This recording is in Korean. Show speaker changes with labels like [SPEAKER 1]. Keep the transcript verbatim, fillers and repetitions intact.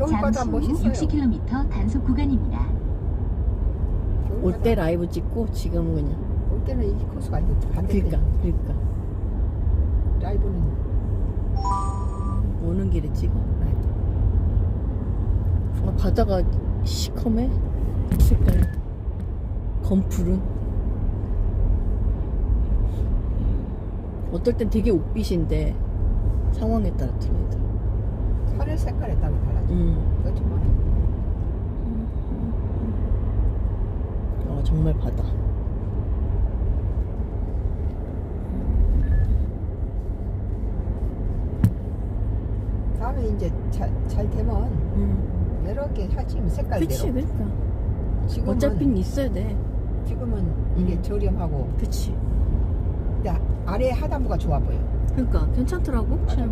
[SPEAKER 1] 겨울바다
[SPEAKER 2] 잠시 후
[SPEAKER 1] 멋있어요.
[SPEAKER 2] 육십 킬로미터 단속 구간입니다.
[SPEAKER 3] 올 때 라이브 찍고 지금은 그냥.
[SPEAKER 1] 올 때는 이 코스가 아니고 반대편.
[SPEAKER 3] 그러니까 그러니까
[SPEAKER 1] 라이브는
[SPEAKER 3] 오는 길에 찍어 라이브. 아, 바다가 시커매 색깔 검푸른. 어떨 땐 되게 옥빛인데 상황에 따라 틀리다.
[SPEAKER 1] 하늘 색깔에 따라 달라져.
[SPEAKER 3] 음.
[SPEAKER 1] 그렇지 뭐.
[SPEAKER 3] 아 정말 바다.
[SPEAKER 1] 다음에 이제 잘, 잘 되면
[SPEAKER 3] 음.
[SPEAKER 1] 여러 개 하지 색깔대로.
[SPEAKER 3] 그치 그러니까
[SPEAKER 1] 지금은
[SPEAKER 3] 어차피 있어야 돼.
[SPEAKER 1] 지금은 이게
[SPEAKER 3] 음.
[SPEAKER 1] 저렴하고
[SPEAKER 3] 그치.
[SPEAKER 1] 근데 아래 하단부가 좋아 보여.
[SPEAKER 3] 그러니까 괜찮더라고.